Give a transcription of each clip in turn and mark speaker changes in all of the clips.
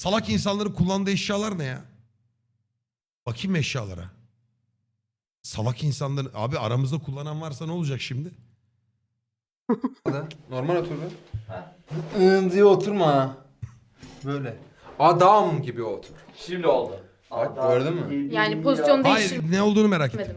Speaker 1: Salak insanların kullandığı eşyalar ne ya? Bakayım eşyalara. Salak insanların... Abi aramızda kullanan varsa ne olacak şimdi?
Speaker 2: Normal otur be. Diye oturma. Böyle. Adam gibi otur.
Speaker 3: Şimdi oldu.
Speaker 2: Bak gördün mü?
Speaker 4: Yani pozisyon değiştirmedim.
Speaker 1: Hayır ne olduğunu merak ettim.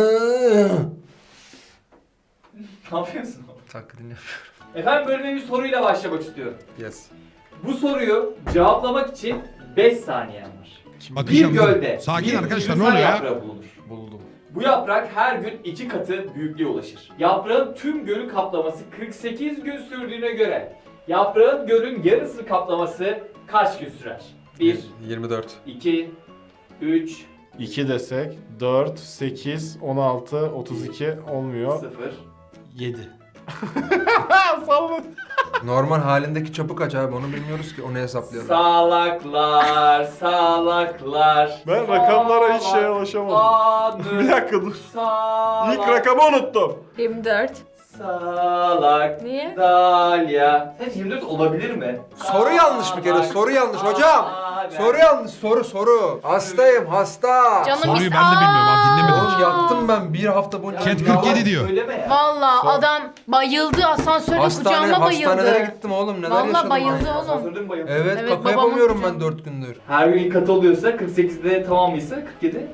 Speaker 3: Ne yapıyorsun?
Speaker 2: Taklidini yapıyorum.
Speaker 3: Efendim bölüme bir soruyla başlamak istiyorum.
Speaker 2: Yes.
Speaker 3: Bu soruyu cevaplamak için 5 saniyen var.
Speaker 1: Bakacağım.
Speaker 3: Bir gölde
Speaker 1: Sakin
Speaker 3: bir
Speaker 1: arkadaşlar, ne
Speaker 3: Gülizar
Speaker 1: oluyor ya?
Speaker 3: yaprağı bulunur.
Speaker 2: Buldum.
Speaker 3: Bu yaprak her gün 2 katı büyüklüğe ulaşır. Yaprağın tüm gölü kaplaması 48 gün sürdüğüne göre yaprağın gölün yarısını kaplaması kaç gün sürer? 1,
Speaker 2: 24.
Speaker 3: 2, 3,
Speaker 5: 2 desek 4, 8, 16, 32 olmuyor.
Speaker 3: 0.
Speaker 5: 7.
Speaker 2: Normal halindeki çapı kaç abi onu bilmiyoruz ki onu hesaplayalım.
Speaker 3: Salaklar, salaklar.
Speaker 5: Ben rakamlara hiç şeye ulaşamadım. Bir dakika dur. İlk rakamı unuttum.
Speaker 4: 24.
Speaker 3: Salak.
Speaker 4: Niye?
Speaker 3: Dalya. Sen 24 olabilir mi?
Speaker 2: Soru yanlış bir kere soru yanlış hocam. Soru yanlış soru. Hastayım hasta.
Speaker 4: Canım
Speaker 1: Soruyu
Speaker 4: is-
Speaker 1: ben de bilmiyorum abi, dinlemedim.
Speaker 2: Oğlum yattım ben bir hafta boyunca.
Speaker 1: Chat 47 diyor.
Speaker 3: Söyleme ya.
Speaker 4: Valla adam bayıldı asansörde kucağıma bayıldı.
Speaker 2: Hastanelere gittim oğlum neler
Speaker 4: Valla
Speaker 2: yaşadım.
Speaker 4: bayıldı
Speaker 2: ben.
Speaker 4: oğlum.
Speaker 3: Asansörde mi bayıldın?
Speaker 2: Evet,
Speaker 4: Evet,
Speaker 2: kaka
Speaker 4: babamın
Speaker 2: yapamıyorum ben
Speaker 4: kucağında.
Speaker 2: 4 gündür.
Speaker 3: Her gün ilk katı oluyorsa 48'de tamamıysa 47.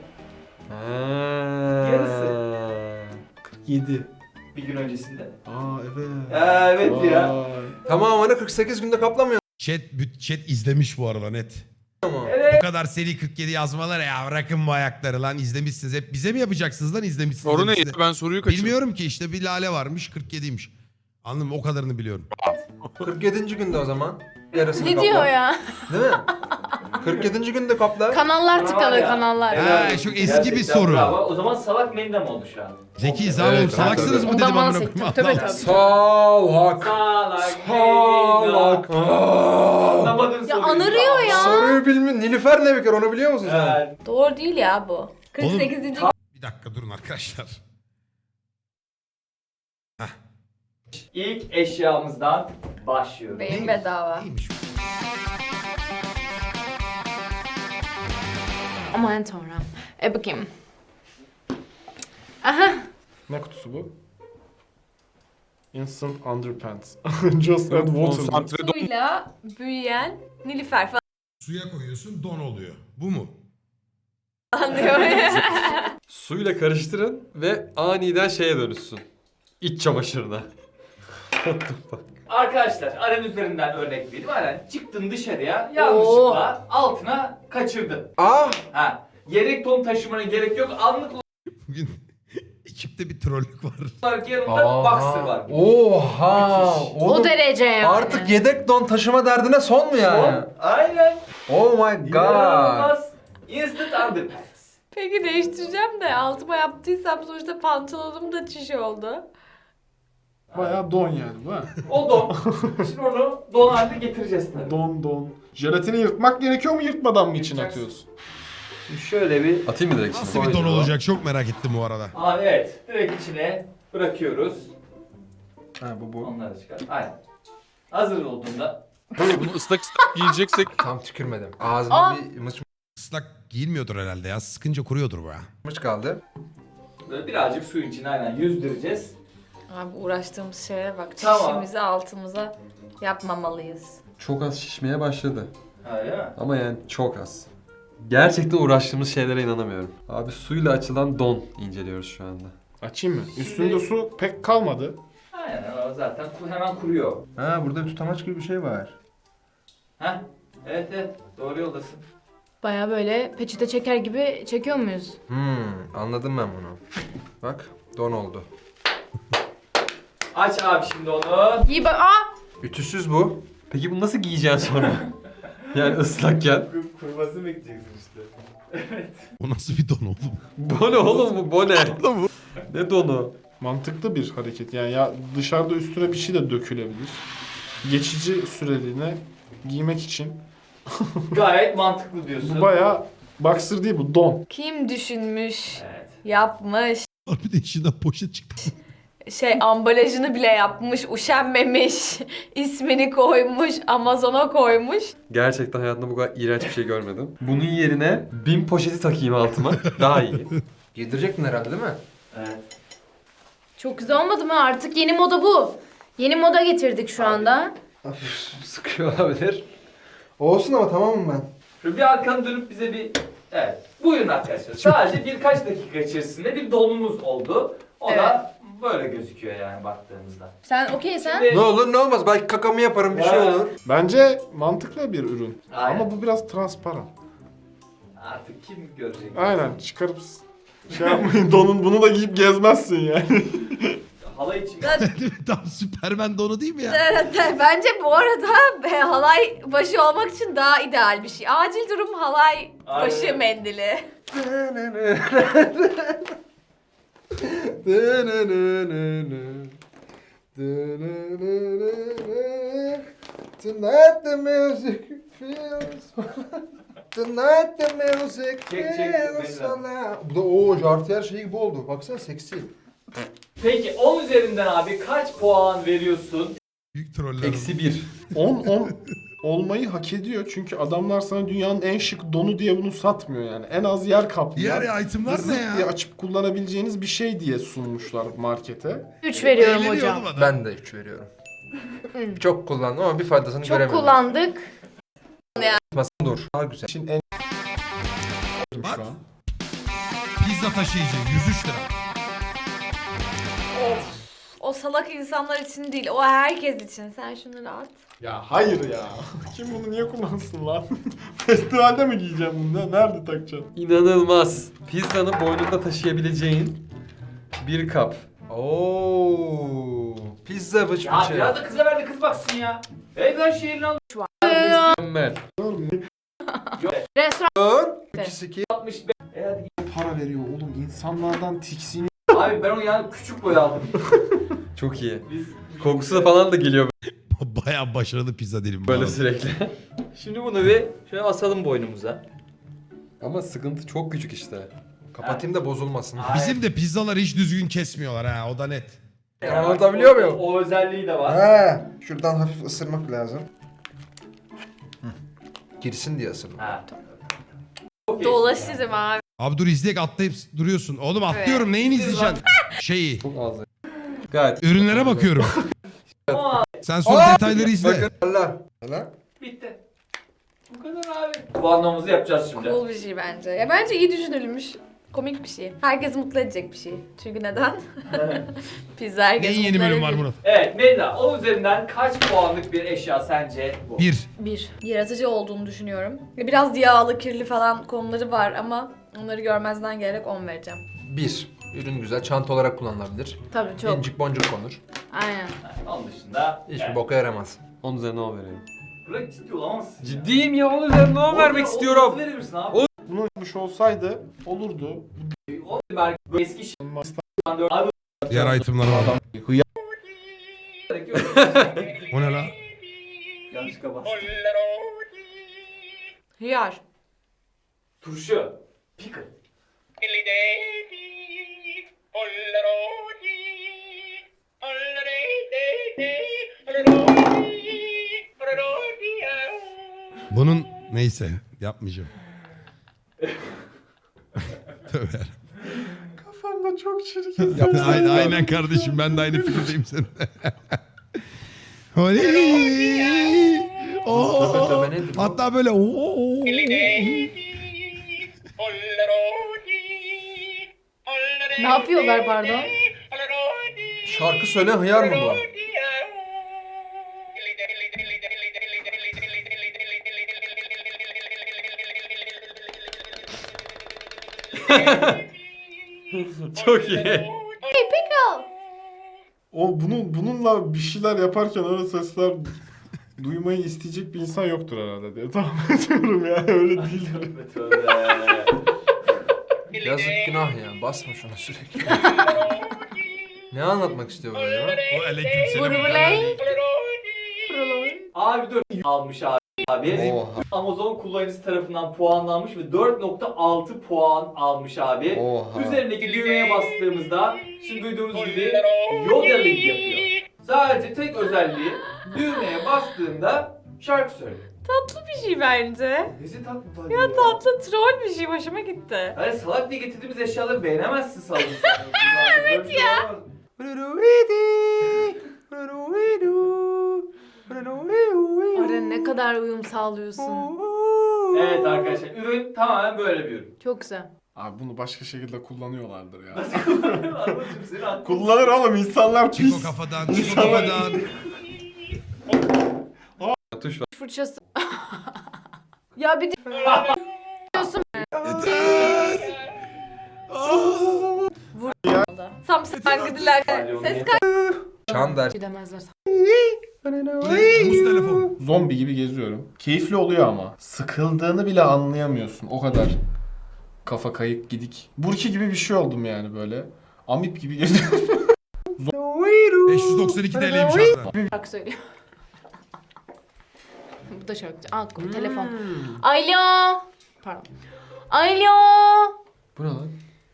Speaker 3: Yarısı.
Speaker 5: 7.
Speaker 3: Bir gün öncesinde.
Speaker 5: Aa evet.
Speaker 3: Evet ya.
Speaker 5: Vay.
Speaker 2: Tamamını 48 günde kaplamıyor.
Speaker 1: Chat izlemiş bu arada net.
Speaker 3: Evet.
Speaker 1: Bu kadar seri 47 yazmalar ya, bırakın bu ayakları lan, izlemişsiniz. Hep bize mi yapacaksınız lan, izlemişsiniz?
Speaker 6: Soru ne?
Speaker 1: hepsini.
Speaker 6: Ben soruyu kaçırdım.
Speaker 1: Bilmiyorum ki, işte bir Lale varmış 47'ymiş. Anladın mı? O kadarını biliyorum.
Speaker 2: 47. günde o zaman. Yarısını
Speaker 4: Ne
Speaker 2: kapla.
Speaker 4: diyor ya?
Speaker 2: Değil mi? 47. günde kapla.
Speaker 4: Kanallar tıkalı
Speaker 3: Ya.
Speaker 4: kanallar.
Speaker 1: Evet. çok eski bir
Speaker 3: Gerçekten
Speaker 1: soru.
Speaker 3: bravo. O zaman salak mendem oldu şu an.
Speaker 1: Zekiyiz abi,
Speaker 2: Evet,
Speaker 1: oğlum, salaksınız mı
Speaker 4: Ondan
Speaker 1: dedim amına
Speaker 4: bahsettim.
Speaker 1: koyayım.
Speaker 4: Tabii,
Speaker 1: Allah
Speaker 4: tabii.
Speaker 2: Salak.
Speaker 3: Salak
Speaker 2: Salak.
Speaker 3: Anlamadın
Speaker 4: Ya
Speaker 3: soruyu.
Speaker 4: anırıyor ya.
Speaker 2: Soruyu bilmiyor. Nilüfer ne bir kere onu biliyor musun sen?
Speaker 3: Evet.
Speaker 4: Doğru değil ya bu. 48.
Speaker 1: Bir dakika durun arkadaşlar.
Speaker 3: İlk eşyamızdan başlıyoruz.
Speaker 4: Beyin bedava.
Speaker 1: Neymiş bu?
Speaker 4: Aman tanrım. Bakayım. Aha.
Speaker 5: Ne kutusu bu? Instant Underpants. Just add water.
Speaker 6: Konsantre don.
Speaker 4: Suyla büyüyen Nilüfer
Speaker 1: Suya koyuyorsun, don oluyor. Bu mu?
Speaker 4: falan diyor.
Speaker 7: Suyla karıştırın ve aniden şeye dönüşsün. İç çamaşırına.
Speaker 3: Arkadaşlar Aren üzerinden örnek vereyim. Aren çıktın dışarıya yanlışlıkla altına kaçırdın.
Speaker 2: Ah!
Speaker 3: Ha. Yedek ton taşımana gerek yok. Anlık
Speaker 1: Bugün ekipte bir trollük var.
Speaker 3: olarak yanında boxer var.
Speaker 2: Oha!
Speaker 4: O
Speaker 2: Oğlum,
Speaker 4: derece yani.
Speaker 2: artık yedek don taşıma derdine son mu yani?
Speaker 3: Son. Aynen.
Speaker 2: Oh my god.
Speaker 3: İnanılmaz. Instant underpants.
Speaker 4: Peki değiştireceğim de altıma yaptıysam sonuçta pantolonum da çiş oldu.
Speaker 5: Bayağı don yani bu ha.
Speaker 3: O don. Şimdi onu don haline getireceğiz tabii.
Speaker 5: Don. Jelatini yırtmak gerekiyor mu, yırtmadan mı için
Speaker 3: Yırtacaksın.
Speaker 5: atıyorsun?
Speaker 3: Şimdi şöyle bir...
Speaker 7: Atayım mı direkt
Speaker 1: Nasıl
Speaker 7: şimdi?
Speaker 1: bir don olacak, çok merak ettim bu arada.
Speaker 3: Abi evet. Direkt içine bırakıyoruz.
Speaker 2: Ha bu.
Speaker 3: Onları çıkar. Aynen. Hazır olduğunda
Speaker 6: Bunu ıslak ıslak giyeceksek
Speaker 2: Tam tükürmedim. Ağzımda bir
Speaker 1: Islak giyilmiyordur herhalde ya. Sıkınca kuruyordur bu ya.
Speaker 2: mıç kaldı.
Speaker 3: böyle birazcık suyun içine aynen yüzdüreceğiz.
Speaker 4: Abi uğraştığımız şeye bak.
Speaker 3: Tamam.
Speaker 4: Çişimizi altımıza yapmamalıyız.
Speaker 7: çok az şişmeye başladı.
Speaker 3: Öyle mi?
Speaker 7: Ama yani çok az. Gerçekten uğraştığımız şeylere inanamıyorum. Abi suyla açılan don inceliyoruz şu anda.
Speaker 5: Açayım mı? Üstünde su pek kalmadı.
Speaker 3: Aynen o zaten hemen kuruyor.
Speaker 2: Ha burada bir tutamaç gibi bir şey var.
Speaker 3: Heh. Evet evet. Doğru yoldasın.
Speaker 4: Baya böyle peçete çeker gibi çekiyor muyuz?
Speaker 2: Anladım ben bunu. Bak don oldu.
Speaker 3: Aç abi şimdi onu.
Speaker 4: İyi bak. Aa!
Speaker 2: Ütüsüz bu.
Speaker 7: Peki bunu nasıl giyeceksin sonra? Yani ıslakken.
Speaker 3: Kuruması bekleyeceksin işte.
Speaker 1: O nasıl bir don oğlum?
Speaker 7: Bu ne oğlum bu? Bu ne? Ne donu?
Speaker 5: Mantıklı bir hareket. Yani ya dışarıda üstüne bir şey de dökülebilir. Geçici süreliğine giymek için.
Speaker 3: Gayet mantıklı diyorsun.
Speaker 5: Bu bayağı boxer değil, bu don.
Speaker 4: Kim düşünmüş,
Speaker 3: Evet.
Speaker 4: yapmış.
Speaker 1: Bir de içinden poşet çıktı.
Speaker 4: ambalajını bile yapmış, üşenmemiş, ismini koymuş, Amazon'a koymuş.
Speaker 7: Gerçekten hayatımda bu kadar iğrenç bir şey görmedim. Bunun yerine 1000 poşeti takayım altıma. Daha iyi.
Speaker 2: Giydirecektin herhalde değil mi?
Speaker 3: Evet.
Speaker 8: Çok güzel olmadı mı? Artık yeni moda bu. Yeni moda getirdik şu anda.
Speaker 2: Hafif sıkıyor olabilir. Olsun ama tamamım ben.
Speaker 3: Şöyle bir arkanı dönüp bize bir... Evet. Buyurun arkadaşlar. Sadece birkaç dakika içerisinde bir dolumuz oldu. O da böyle gözüküyor yani baktığımızda.
Speaker 8: Sen okey sen?
Speaker 3: Şimdi-
Speaker 2: Ne olur ne olmaz. Belki kakamı yaparım bir şey
Speaker 3: Ha.
Speaker 2: olur.
Speaker 5: Bence mantıklı bir ürün.
Speaker 3: Aynen.
Speaker 5: Ama bu biraz transparan.
Speaker 3: Artık kim görecek?
Speaker 5: Aynen çıkarıp şey yapmayın donun bunu da giyip gezmezsin yani.
Speaker 3: Halay için.
Speaker 1: Tam Süpermen donu değil mi ya?
Speaker 4: Bence bu arada halay başı olmak için daha ideal bir şey. Acil durum halay başı
Speaker 3: Aynen.
Speaker 4: mendili.
Speaker 2: Tonight the music feels Tonight the music
Speaker 3: Çek,
Speaker 2: feels
Speaker 3: Beyza.
Speaker 2: Bu da o jartiyer şeyi gibi oldu. Baksana seksi.
Speaker 3: Peki 10 üzerinden abi kaç puan veriyorsun?
Speaker 1: Büyük troller.
Speaker 7: Eksi 1.
Speaker 5: 10 olmayı hak ediyor çünkü adamlar sana dünyanın en şık donu diye bunu satmıyor yani. En az yer kaplayan.
Speaker 1: Diğer itemlar ne
Speaker 5: zırt diye
Speaker 1: ya?
Speaker 5: açıp kullanabileceğiniz bir şey diye sunmuşlar markete.
Speaker 8: 3 veriyorum
Speaker 1: Eğleniyor
Speaker 8: hocam.
Speaker 1: oğlum adam.
Speaker 2: Ben de 3 veriyorum. Çok kullandım ama bir faydasını
Speaker 8: Çok
Speaker 2: göremedim.
Speaker 8: kullandık.
Speaker 7: Dur. Daha güzel.
Speaker 5: İçin en
Speaker 1: Bak.
Speaker 5: şu an.
Speaker 1: Pizza taşıyıcı 103 lira.
Speaker 4: O salak insanlar için değil, o herkes için. Sen şunları at.
Speaker 5: Ya hayır ya. Kim bunu niye kullansın lan? Festivalde mi giyeceğim bunu? Nerede takacaksın?
Speaker 7: İnanılmaz. Pizzanı boynunda taşıyabileceğin bir kap.
Speaker 2: Oo, pizza bıç
Speaker 3: Ya
Speaker 2: bıçı.
Speaker 3: biraz da kıza ver de kız baksın ya. Evden şehrini al.
Speaker 7: Mükemmel.
Speaker 8: Restoran
Speaker 2: 2
Speaker 3: 65. Hadi.
Speaker 5: Para veriyor oğlum. İnsanlardan tiksiniyor.
Speaker 3: Abi ben onu yani küçük boy aldım.
Speaker 7: Çok iyi.
Speaker 3: Biz
Speaker 7: Kokusu da falan da geliyor
Speaker 1: Bayağı başarılı pizza dilim. bu
Speaker 7: böyle
Speaker 1: arada.
Speaker 7: sürekli.
Speaker 9: Şimdi bunu bir şöyle asalım boynumuza.
Speaker 7: Ama sıkıntı çok küçük işte.
Speaker 2: Kapatayım da bozulmasın.
Speaker 1: Bizim de pizzaları hiç düzgün kesmiyorlar ha, o da net.
Speaker 2: Anlatabiliyor muyum?
Speaker 3: O özelliği de var.
Speaker 2: He, şuradan hafif ısırmak lazım. Girsin diye ısırmak.
Speaker 3: Ha. Okey.
Speaker 4: Dolaşırım abi.
Speaker 1: Abi dur izleyek, atlayıp duruyorsun. Oğlum atlıyorum, neyini izleyeceksin? Şeyi.
Speaker 7: Çok az. Gayet.
Speaker 1: Ürünlere bakıyorum.
Speaker 3: Aa,
Speaker 1: Sen sonra detayları izle.
Speaker 2: Bakın. Allah. Allah.
Speaker 3: bitti. Bu kadar abi. Bu anlamımızı yapacağız şimdi.
Speaker 4: Cool bir şey bence. Ya bence iyi düşünülmüş. Komik bir şey. Herkesi mutlu edecek bir şey. Çünkü neden? Pizza herkesi
Speaker 1: Neyin yeni
Speaker 4: mutlu
Speaker 1: bölüm var
Speaker 4: edebilir.
Speaker 1: Murat?
Speaker 3: Evet Melda, 10 üzerinden kaç puanlık bir eşya sence bu?
Speaker 1: 1.
Speaker 4: 1. Yaratıcı olduğunu düşünüyorum. Biraz yağlı, kirli falan konuları var ama onları görmezden gelerek 10 vereceğim.
Speaker 2: 1. Ürün güzel. Çanta olarak kullanılabilir.
Speaker 4: Tabii çok.
Speaker 2: İncik boncuk konur.
Speaker 4: Aynen.
Speaker 3: Onun dışında...
Speaker 2: Hiçbir boka yaramaz.
Speaker 7: 10 üzerine 10 vereyim.
Speaker 3: Bırak ciddi olamazsın.
Speaker 7: Ciddiyim ya 10 üzerinden 10 vermek istiyorum.
Speaker 3: Nasıl verebilirsin abi?
Speaker 5: Bunu yapmış olsaydı olurdu.
Speaker 3: O belki eski şey. Abi
Speaker 1: Diğer itemler var. O ne la?
Speaker 3: yanlışlıkla bastım.
Speaker 4: Hıyar.
Speaker 3: Turşu. Pickle.
Speaker 1: Bunun neyse yapmayacağım. Tövbe.
Speaker 5: Kafamda çok çirkin.
Speaker 1: Aynen kardeşim, ben de aynı fikirdeyim seninle. Oley! Oo!
Speaker 2: Tövbe nedir bu?
Speaker 1: Hatta böyle oo!
Speaker 8: ne yapıyorlar pardon?
Speaker 2: Şarkı söyle hıyar mı bu?
Speaker 7: Çok iyi.
Speaker 5: O bununla bir şeyler yaparken öyle sesler duymayı isteyecek bir insan yoktur herhalde diye tahmin ediyorum ya. Öyle değildir.
Speaker 3: Tövbe tövbe.
Speaker 2: Yazık günah ya. Basma şuna sürekli. Ne anlatmak istiyor bu acaba?
Speaker 1: O aleykümselam.
Speaker 4: Burbuley.
Speaker 3: Abi dur. Almış abi. abi.
Speaker 2: Oha.
Speaker 3: Amazon kullanıcısı tarafından puanlanmış ve 4.6 puan almış abi.
Speaker 2: Oha.
Speaker 3: Üzerindeki düğmeye bastığımızda şimdi duyduğunuz gibi yodeling yapıyor. Sadece tek özelliği düğmeye bastığında şarkı söylüyor.
Speaker 4: Tatlı bir şey bence.
Speaker 3: Nesi tatlı
Speaker 4: Ya tatlı troll bir şey, hoşuma gitti.
Speaker 3: Hani salak diye getirdiğimiz eşyaları beğenemezsin salak. Evet ya.
Speaker 8: Ara ne kadar uyum sağlıyorsun.
Speaker 3: Evet arkadaşlar, ürün tamamen böyle bir ürün.
Speaker 8: Çok güzel.
Speaker 5: Abi bunu başka şekilde kullanıyorlardır ya.
Speaker 3: Anlatayım seni anlatayım.
Speaker 5: Kullanır oğlum insanlar
Speaker 1: Çık o
Speaker 5: pis.
Speaker 1: kafadan, çık o
Speaker 5: İnsanlar-
Speaker 1: kafadan.
Speaker 7: Tuş var.
Speaker 8: Fırçası. Ya bir de diyorsun.
Speaker 4: Samsung gidiler. Ses
Speaker 2: Çan der.
Speaker 8: Gidemezler.
Speaker 1: Muz telefon.
Speaker 5: Zombi gibi geziyorum. Keyifli oluyor ama. Sıkıldığını bile anlayamıyorsun. O kadar. Kafa kayık gidik. Burki gibi bir şey oldum yani böyle. Amip gibi geziyorum.
Speaker 1: 592 TL'ymiş abi.
Speaker 8: Şarkı söylüyor. Bu da şarkıcı. Aa, telefon. Alo. Pardon. Alo.
Speaker 7: Bu ne lan?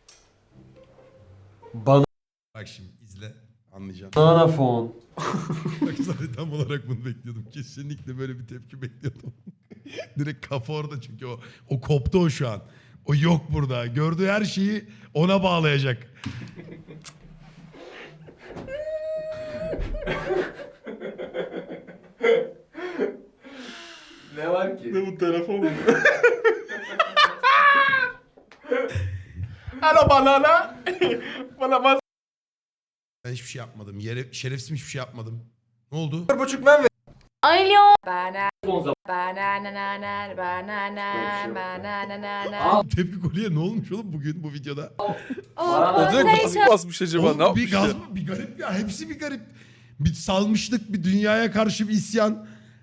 Speaker 7: Bana
Speaker 1: Bak şimdi izle. Anlayacaksın.
Speaker 7: Bananafon.
Speaker 1: Bak zaten tam olarak bunu bekliyordum. Kesinlikle böyle bir tepki bekliyordum. Direkt kafa orada çünkü o koptu o şu an. O yok burada. Gördüğü her şeyi ona bağlayacak.
Speaker 3: Ne var ki?
Speaker 5: Ne bu telefon mu? Alo banana. Bana bas.
Speaker 1: Ben hiçbir şey yapmadım. Şerefsiz hiçbir şey yapmadım. Ne oldu?
Speaker 2: 1,5 ben ver.
Speaker 8: Alo.
Speaker 3: Son zaman.
Speaker 1: Tepki kolye ne olmuş oğlum bugün bu videoda?
Speaker 6: O da gaz mı basmış acaba?
Speaker 1: Oğlum
Speaker 6: Ne yapmış
Speaker 1: bir gaz
Speaker 6: ya?
Speaker 1: mı? Bir garip ya. Hepsi bir garip. Bir salmışlık, bir dünyaya karşı bir isyan.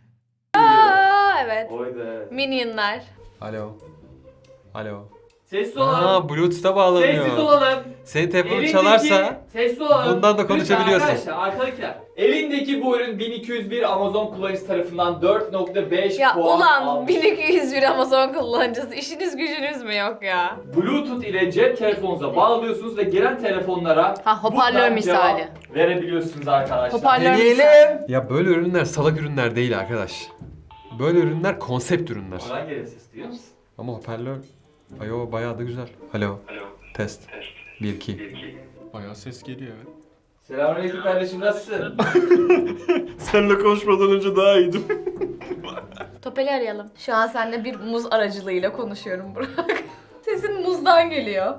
Speaker 4: Aa, evet.
Speaker 3: Oydu.
Speaker 4: Minionlar.
Speaker 7: Alo. Alo.
Speaker 3: Sessiz olalım.
Speaker 7: Aa, Bluetooth'a bağlanıyor.
Speaker 3: Sessiz olalım.
Speaker 7: Senin telefonun
Speaker 3: Elindeki-
Speaker 7: çalarsa
Speaker 3: sessiz olalım.
Speaker 7: bundan da konuşabiliyorsun.
Speaker 3: Lütfen arkadaşlar, arkadakiler. Elindeki bu ürün 1201 Amazon kullanıcısı tarafından 4.5
Speaker 4: Ya
Speaker 3: puan
Speaker 4: ulan
Speaker 3: almış.
Speaker 4: 1201 Amazon kullanıcısı, işiniz gücünüz mü yok ya?
Speaker 3: Bluetooth ile cep telefonunuza bağlıyorsunuz ve gelen telefonlara
Speaker 8: Ha, hoparlör
Speaker 3: buradan
Speaker 8: misali.
Speaker 3: cevap verebiliyorsunuz arkadaşlar.
Speaker 8: Hoparlör misali.
Speaker 2: Deneyelim.
Speaker 7: ya böyle ürünler salak ürünler değil arkadaş. Böyle ürünler konsept ürünler.
Speaker 3: Oradan gelen ses duyuyor musun?
Speaker 7: Ama hoparlör ayo bayağı da güzel. Alo. Test. 1 2.
Speaker 5: Bayağı ses geliyor evet.
Speaker 3: Selamünaleyküm kardeşim, nasılsın?
Speaker 5: Seninle konuşmadan önce daha iyiydim.
Speaker 4: Topel'i arayalım. Şu an seninle bir muz aracılığıyla konuşuyorum Burak. Sesin muzdan geliyor.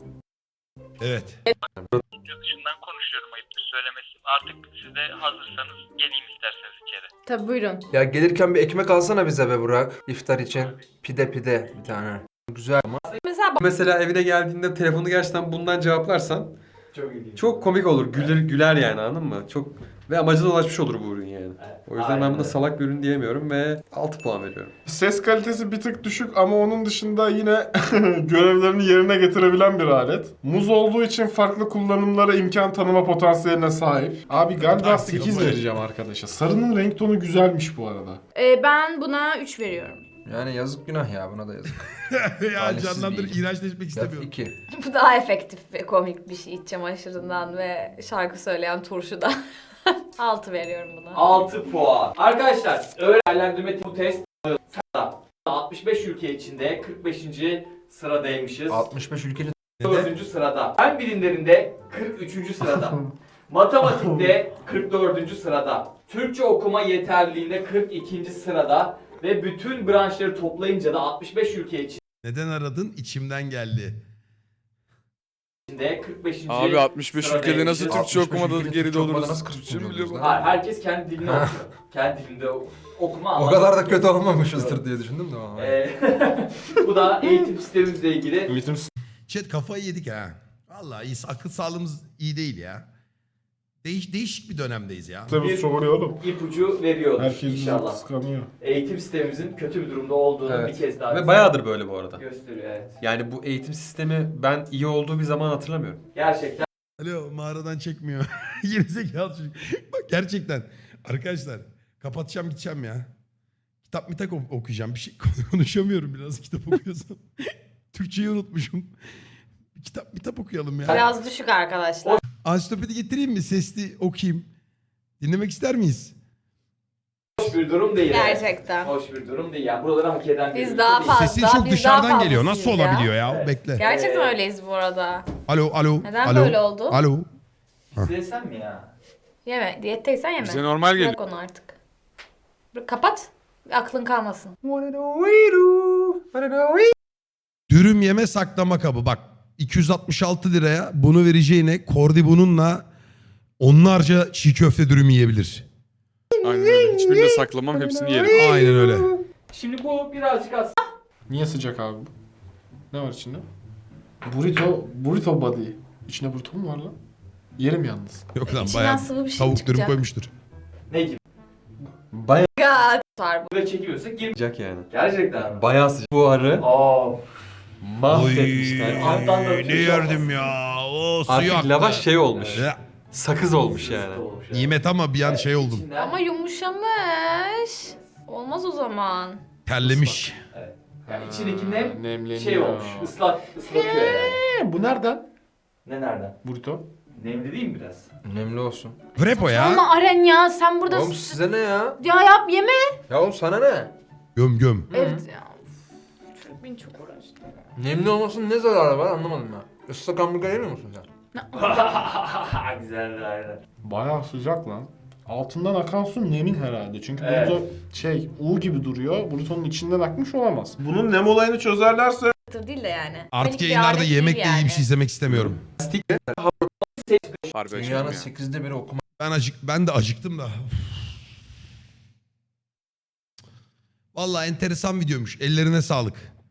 Speaker 1: Evet.
Speaker 10: dışından konuşuyorum, ayıptır söylemesi. Artık siz de hazırsanız geleyim isterseniz içeri.
Speaker 8: Tabii buyurun.
Speaker 2: Ya gelirken bir ekmek alsana bize be Burak. İftar için. Pide bir tane. Güzel ama.
Speaker 7: Mesela evine geldiğinde telefonu gerçekten bundan cevaplarsan
Speaker 3: Çok ilginç.
Speaker 7: çok komik olur. Güler yani anladın mı? Çok ve amacına ulaşmış olur bu ürün yani.
Speaker 3: Evet,
Speaker 7: O yüzden
Speaker 3: aynen
Speaker 7: ben buna
Speaker 3: öyle.
Speaker 7: salak bir ürün diyemiyorum ve 6 puan veriyorum.
Speaker 5: Ses kalitesi bir tık düşük ama onun dışında yine görevlerini yerine getirebilen bir alet. Muz olduğu için farklı kullanımlara imkan tanıma potansiyeline sahip. Abi galiba
Speaker 1: Taksi
Speaker 5: 8
Speaker 1: kafa.
Speaker 5: vereceğim arkadaşa. Sarının renk tonu güzelmiş bu arada.
Speaker 8: Ben buna 3 veriyorum.
Speaker 2: Yani yazık günah ya, buna da yazık.
Speaker 1: Ya
Speaker 2: Talihsiz
Speaker 1: canlandır,
Speaker 2: bilgi.
Speaker 1: iğrençleşmek istemiyorum.
Speaker 2: 2.
Speaker 4: Bu daha efektif ve komik bir şey. İç çamaşırından ve şarkı söyleyen turşudan. 6 veriyorum buna.
Speaker 3: 6 puan. Arkadaşlar, öğrenlendirme bu test sırada. 65 ülke içinde 45. sıradaymışız.
Speaker 2: 65 ülkenin
Speaker 3: 4. sırada. Fen bilimlerinde 43. sırada. Matematikte 44. sırada. Türkçe okuma yeterliliğinde 42. sırada. Ve bütün branşları toplayınca da 65 ülke
Speaker 1: Neden aradın? İçimden geldi.
Speaker 3: içinde 45.
Speaker 6: Abi 65 ülkede
Speaker 3: sıradaymışız.
Speaker 6: nasıl Türkçe
Speaker 5: 65
Speaker 6: okumada
Speaker 5: ülkede
Speaker 6: geride
Speaker 2: Türkçe okumada
Speaker 6: oluruz?
Speaker 2: nasıl
Speaker 6: Türkçe mi
Speaker 2: 40
Speaker 6: biliyor bu?
Speaker 2: oluyoruz
Speaker 3: Hayır, herkes kendi dilini okuyor. Kendi dilinde okuma
Speaker 2: o
Speaker 3: anlatma.
Speaker 2: kadar da kötü olmamışızdır diye düşündüm de ama.
Speaker 3: Bu da eğitim sistemimizle ilgili
Speaker 5: Eğitim
Speaker 1: Chat kafayı yedik ha. Vallahi iyi, akıl sağlığımız iyi değil ya. Değişik bir dönemdeyiz ya.
Speaker 5: sistemi soruyor oğlum.
Speaker 3: ipucu veriyordur
Speaker 5: Herkes bizi
Speaker 3: inşallah.
Speaker 5: kıskanıyor.
Speaker 3: Eğitim sistemimizin kötü bir durumda olduğunu
Speaker 7: Evet.
Speaker 3: bir kez daha
Speaker 7: Ve bayağıdır böyle bu arada.
Speaker 3: gösteriyor, evet.
Speaker 7: Yani bu eğitim sistemi ben iyi olduğu bir zaman hatırlamıyorum.
Speaker 3: Gerçekten
Speaker 1: Alo mağaradan çekmiyor. Gerizekalı çocuk. Bak gerçekten. Arkadaşlar kapatacağım gideceğim ya. Kitap mitap okuyacağım. Bir şey konuşamıyorum biraz kitap okuyorsam. Türkçeyi unutmuşum. Kitap mitap okuyalım ya.
Speaker 4: Biraz düşük arkadaşlar.
Speaker 1: Ansiklopedi getireyim mi? Sesli okuyayım. Dinlemek ister miyiz?
Speaker 3: Hoş bir durum değil.
Speaker 4: Gerçekten.
Speaker 3: Hoş bir durum değil. Yani buraları hak eden bir
Speaker 4: Biz
Speaker 3: ülke
Speaker 4: daha
Speaker 3: değil.
Speaker 4: fazla.
Speaker 1: Sesin çok
Speaker 4: biz daha
Speaker 1: dışarıdan geliyor.
Speaker 4: fazlasıyız
Speaker 1: Nasıl
Speaker 4: ya.
Speaker 1: olabiliyor ya?
Speaker 3: Evet.
Speaker 1: Bekle.
Speaker 4: Gerçekten öyleyiz bu arada.
Speaker 1: Alo, alo.
Speaker 4: Neden
Speaker 1: alo.
Speaker 4: böyle oldu?
Speaker 1: Alo.
Speaker 3: Sen mi ya?
Speaker 4: Yeme. Diyetteysen yeme.
Speaker 6: Bize normal geliyor.
Speaker 4: Bırak onu artık. Kapat. Aklın kalmasın.
Speaker 1: Dürüm yeme saklama kabı. Bak 266 liraya bunu vereceğine Kordi bununla onlarca çiğ köfte dürüm yiyebilir.
Speaker 6: Aynen öyle. Hiçbirini de saklamam, hepsini yerim.
Speaker 1: Aynen öyle.
Speaker 3: Şimdi bu birazcık aslında
Speaker 5: Niye sıcak abi bu? Ne var içinde? Burrito body. İçinde burrito mu var lan? Yerim yalnız.
Speaker 1: Yok lan
Speaker 4: İçinden
Speaker 1: bayağı
Speaker 4: sıvı bir şey
Speaker 1: tavuk
Speaker 4: çıkacak.
Speaker 1: dürüm koymuştur.
Speaker 3: ne gibi?
Speaker 7: Bayağı
Speaker 4: Var bu.
Speaker 3: Buraya çekiliyorsak gir.
Speaker 7: sıcak yani.
Speaker 3: Gerçekten mi?
Speaker 7: Bayağı sıcak. Bu arı
Speaker 3: Aa,
Speaker 7: mahvetmişler.
Speaker 3: alttan da bir
Speaker 1: ne
Speaker 3: şey
Speaker 1: yerdim ya. O suyu
Speaker 7: Artık
Speaker 1: aktı.
Speaker 7: lavaş şey olmuş.
Speaker 1: Ya,
Speaker 7: Sakız olmuş yani.
Speaker 3: olmuş yani.
Speaker 1: nimet ama bir an şey oldum.
Speaker 3: İçinden-
Speaker 4: Ama yumuşamış. Olmaz o zaman.
Speaker 1: Terlemiş.
Speaker 3: Yani içindeki nem
Speaker 5: Nemleniyor.
Speaker 3: şey olmuş. Islatıyor yani.
Speaker 5: Bu nereden?
Speaker 3: Ne nereden?
Speaker 5: Burrito.
Speaker 3: Nemli değil mi biraz?
Speaker 7: Önemli olsun.
Speaker 1: Vrepo ya.
Speaker 8: Ama Aren ya sen burada...
Speaker 7: Oğlum size ne ya?
Speaker 8: Ya yap yeme.
Speaker 7: Ya oğlum sana ne?
Speaker 1: Göm göm.
Speaker 4: Evet ya. Çocuk beni çok uğraştı.
Speaker 7: Nemli olmasının ne zararı var anlamadım ben. Islak hamburger yemiyor musun sen?
Speaker 3: Güzeldi aynen.
Speaker 5: Bayağı sıcak lan. Altından akan su nemin herhalde. Çünkü
Speaker 3: Evet.
Speaker 5: burrito U gibi duruyor. Burrito'nun içinden akmış olamaz. Bunun nem olayını çözerlerse
Speaker 4: Tır değil de yani.
Speaker 1: Artık
Speaker 4: Panik bir
Speaker 1: yayınlarda
Speaker 4: alet
Speaker 1: yemekle
Speaker 4: değil
Speaker 1: ilgili
Speaker 4: yani.
Speaker 1: bir şey izlemek istemiyorum.
Speaker 6: Harbi açıyorum
Speaker 7: Dünyanın
Speaker 6: ya.
Speaker 7: 8'de biri okuma.
Speaker 1: Ben de acıktım da. Vallahi enteresan videoymuş. Ellerine sağlık.